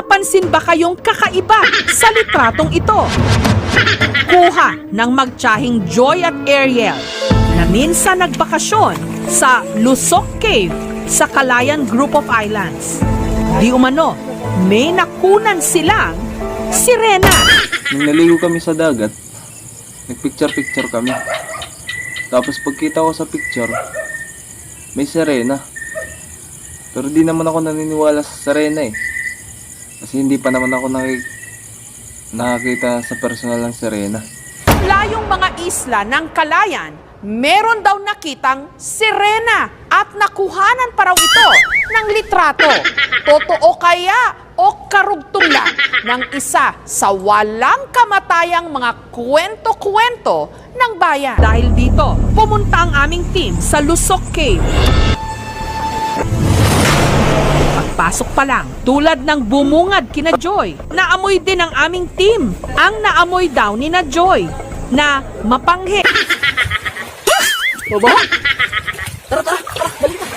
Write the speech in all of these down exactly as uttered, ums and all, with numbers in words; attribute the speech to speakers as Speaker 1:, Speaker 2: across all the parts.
Speaker 1: napapansin ba kayong kakaiba sa litratong ito? Kuha ng magtsahing Joy at Ariel na minsan nagbakasyon sa Lusok Cave sa Calayan Group of Islands. Di umano, may nakunan silang sirena.
Speaker 2: Nung naligo kami sa dagat, nagpicture-picture kami. Tapos pagkita ko sa picture, may sirena. Pero di naman ako naniniwala sa sirena eh. Kasi hindi pa naman ako nakik nakakita sa personal ng sirena.
Speaker 1: Layong mga isla ng Calayan, meron daw nakitang sirena at nakuhanan pa raw ito ng litrato. Totoo kaya o karugtong lang ng isa sa walang kamatayang mga kwento-kwento ng bayan? Dahil dito, pumunta ang aming team sa Lusok Cave. Pagpasok pa lang, tulad ng bumungad kina Joy, naamoy din ang aming team. Ang naamoy daw ni na Joy na mapanghe.
Speaker 3: Baba? Tara, tara, tara, balik na.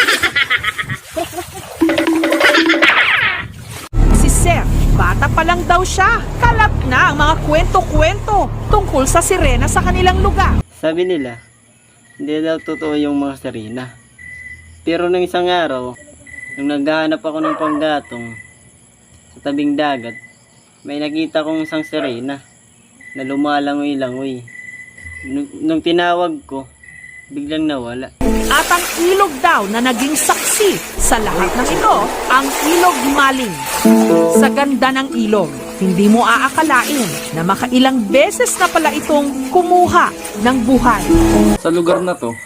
Speaker 1: Si Sir, bata pa lang daw siya. Kalat na ang mga kwento-kwento tungkol sa sirena sa kanilang lugar.
Speaker 3: Sabi nila, hindi daw totoo yung mga sirena. Pero nung isang araw, nung naghahanap ako ng panggatong sa tabing dagat, may nakita kong isang sirena na lumalangoy-langoy. Nung, nung tinawag ko, biglang nawala.
Speaker 1: At ang ilog daw na naging saksi sa lahat ng ito, ang ilog Maling. Sa ganda ng ilog, hindi mo aakalain na makailang beses na pala itong kumuha ng buhay.
Speaker 2: Sa lugar na to,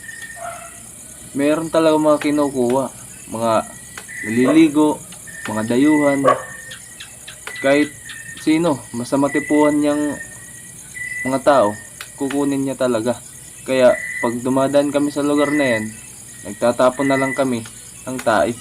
Speaker 2: meron talaga mga kinukuha. Mga naliligo, mga dayuhan. Kahit sino, basta matipuhan niyang mga tao, kukunin niya talaga. Kaya pag dumadaan kami sa lugar na yan, nagtatapon na lang kami ng tae.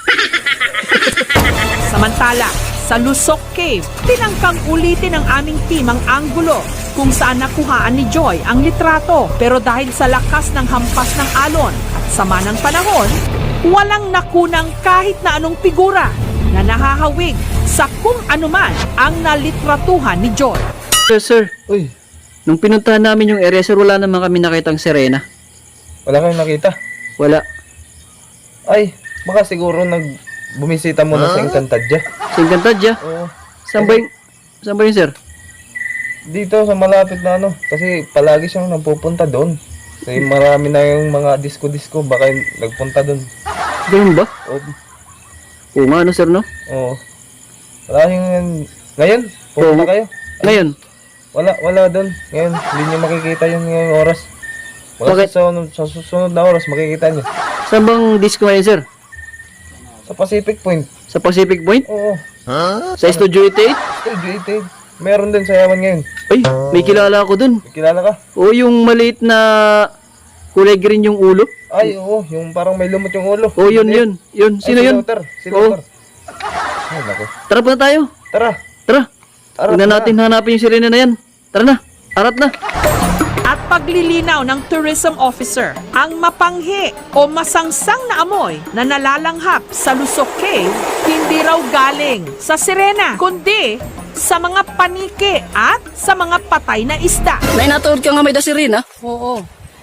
Speaker 1: Samantala, sa Lusok Cave, tinangkang ulitin ng aming team ang anggulo kung saan nakuhaan ni Joy ang litrato. Pero dahil sa lakas ng hampas ng alon at sama ng panahon, walang nakunang kahit na anong figura na nahahawig sa kung anuman ang nalitratuhan ni Joy.
Speaker 4: Sir, sir,
Speaker 2: Uy,
Speaker 4: nung pinuntahan namin yung area, sir, wala naman kami nakitang sirena.
Speaker 2: wala kayong nakita?
Speaker 4: Wala.
Speaker 2: Ay, baka siguro nag bumisita muna sa Encantadia.
Speaker 4: Sa Encantadia?
Speaker 2: Oo.
Speaker 4: Saan ba yung, saan ba yung, sir?
Speaker 2: Dito sa malapit na ano, kasi palagi siyang nagpupunta doon. Kasi marami na yung mga disco-disco, baka yung nagpunta doon.
Speaker 4: Ganun ba?
Speaker 2: Oo.
Speaker 4: Oo nga, ano, sir, no?
Speaker 2: Oo. Wala yung... Ngayon, pupunta
Speaker 4: Oo.
Speaker 2: kayo.
Speaker 4: Ngayon,
Speaker 2: Wala, wala doon. Ngayon, hindi niyo makikita yun ngayong oras. Wala
Speaker 4: Bakit?
Speaker 2: sa, sunod, sa susunod na oras, makikita niyo.
Speaker 4: saan bang disco ngayon, sir?
Speaker 2: Sa Pacific Point.
Speaker 4: Sa Pacific Point?
Speaker 2: Oo.
Speaker 4: Sa Studio eighty-eight?
Speaker 2: Still gated. Meron din sa Yaman ngayon.
Speaker 4: Ay, may kilala ako dun.
Speaker 2: May kilala ka?
Speaker 4: Oo, yung maliit na kulay green yung ulo.
Speaker 2: Ay, oo. Yung parang may lumot yung ulo.
Speaker 4: Oo, yun,
Speaker 2: Hindi.
Speaker 4: yun. Yun,
Speaker 2: Ay,
Speaker 4: sino
Speaker 2: si
Speaker 4: yun?
Speaker 2: Luther. Si
Speaker 4: Oo.
Speaker 2: Luther. Ay, naku.
Speaker 4: Tara po na tayo.
Speaker 2: Tara.
Speaker 4: Tara.
Speaker 2: Tara.
Speaker 4: Huwag na
Speaker 2: tara.
Speaker 4: natin hanapin yung sirena na yan. Tara na. Arat na.
Speaker 1: At paglilinaw ng tourism officer, ang mapanghi o masangsang na amoy na nalalanghap sa Lusok Cave, hindi raw galing sa sirena, kundi sa mga paniki at sa mga patay na isda.
Speaker 5: Nay, natuod ka nga may dasirin, ha?
Speaker 6: Oo.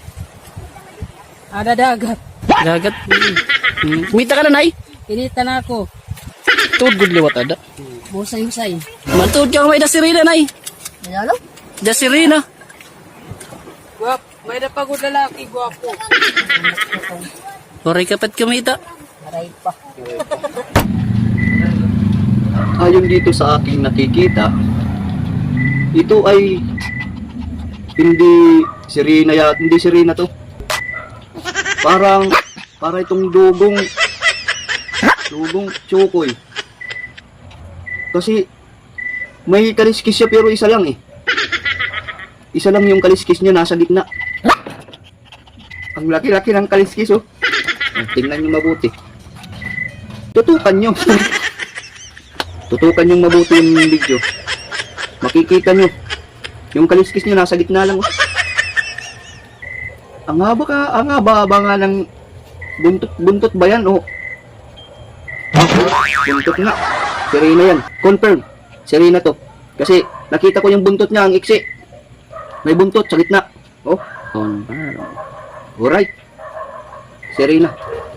Speaker 6: Ada dagat.
Speaker 5: Dagat. Hmm. Kumita ka na, Nay?
Speaker 6: Inita na ako.
Speaker 5: Tuod good liwat ada.
Speaker 6: Musay-musay.
Speaker 5: Mantuod ka nga may dasirin, Nay.
Speaker 6: Ano?
Speaker 5: Dasirin, ha?
Speaker 6: Guwap. May napagod lalaki, guwapo.
Speaker 5: Oray kapat kumita.
Speaker 6: Aray pa.
Speaker 4: Ayon dito sa aking nakikita, ito ay hindi sirena ya, hindi sirena to. Parang para itong dugong dugong tsukoy. Kasi may kaliskis siya pero isa lang eh. Isa lang yung kaliskis niya nasa gitna. Ang laki-laki ng kaliskis oh. Tingnan niyo mabuti. Tutukan niyo. Tutukan yung mabuti yung video. Makikita nyo. Yung kaliskis nyo nasa gitna lang. Oh. Ang haba ka, ang haba-haba nga ng buntot, buntot ba yan? Oh. Ah, buntot nga. Si Rina yan. Confirm. Si Rina to. Kasi nakita ko yung buntot niya, ang iksi. May buntot sa gitna. Oh. Confirm. Alright. Si Rina.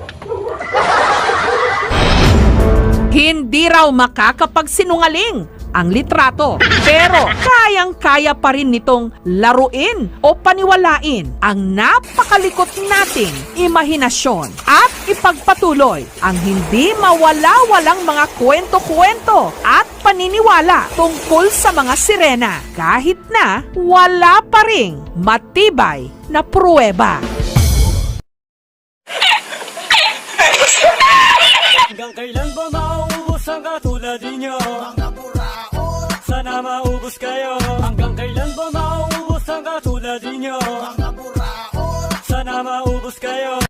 Speaker 1: Hindi raw makakapagsinungaling ang litrato. Pero kayang-kaya pa rin nitong laruin o paniwalain ang napakalikot nating imahinasyon at ipagpatuloy ang hindi mawala-walang mga kwento-kwento at paniniwala tungkol sa mga sirena kahit na wala pa ring matibay na pruweba.
Speaker 7: Hanggang kailan ba mauubos ang katulad ninyo? Mga burao, sana maubos kayo. Hanggang kailan ba mauubos ang katulad ninyo? Mga burao, sana maubos kayo.